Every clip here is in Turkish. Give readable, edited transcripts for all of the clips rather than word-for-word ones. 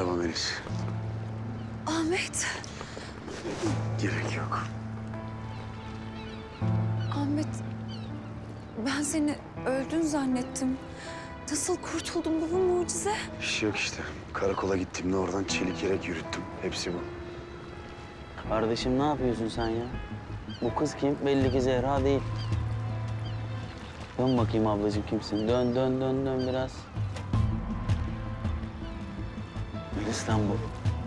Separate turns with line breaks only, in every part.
Merhaba Melis.
Ahmet.
Gerek yok.
Ahmet. Ben seni öldün zannettim. Nasıl kurtuldun, bu mucize?
Bir şey yok işte. Karakola gittiğimde oradan çelik yelek yürüttüm. Hepsi bu.
Kardeşim ne yapıyorsun sen ya? Bu kız kim? Belli ki Zehra değil. Dön bakayım ablacığım kimsin? Dön, dön, dön, dön biraz. Melis lan bu.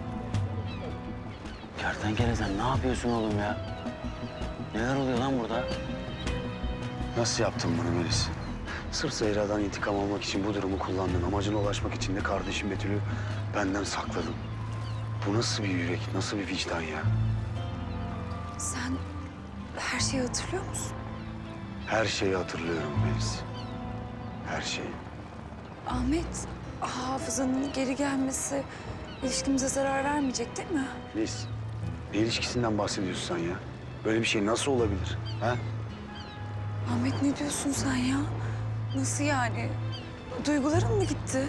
Kertenkele sen ne yapıyorsun oğlum ya? Neler oluyor lan burada?
Nasıl yaptın bunu Melis? Sırf Zehra'dan intikam almak için bu durumu kullandın. Amacına ulaşmak için de kardeşim Betül'ü benden sakladın. Bu nasıl bir yürek, nasıl bir vicdan ya?
Sen her şeyi hatırlıyor musun?
Her şeyi hatırlıyorum Melis. Her şeyi.
Ahmet, hafızanın geri gelmesi ilişkimize zarar vermeyecek değil mi?
Melis, ne ilişkisinden bahsediyorsun sen ya? Böyle bir şey nasıl olabilir? Ha?
Ahmet ne diyorsun sen ya? Nasıl yani? Duyguların mı gitti?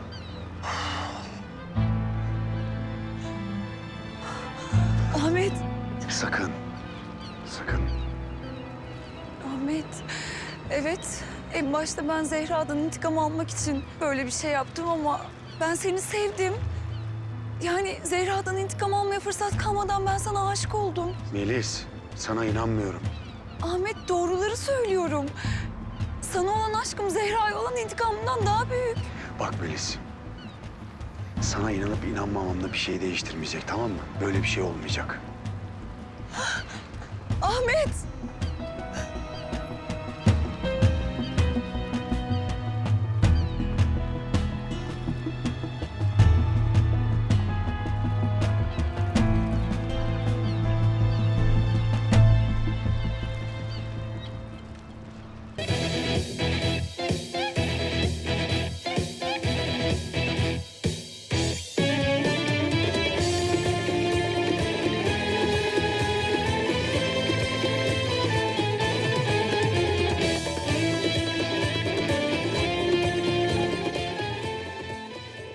Ahmet,
Sakın. Sakın.
Ahmet. Evet, en başta ben Zehra'dan intikam almak için böyle bir şey yaptım ama ben seni sevdim. Yani Zehra'dan intikam almaya fırsat kalmadan ben sana aşık oldum.
Melis, sana inanmıyorum.
Ahmet, doğruları söylüyorum. Sana olan aşkım Zehra'ya olan intikamından daha büyük.
Bak Melis, sana inanıp inanmamamda bir şey değiştirmeyecek, tamam mı? Böyle bir şey olmayacak.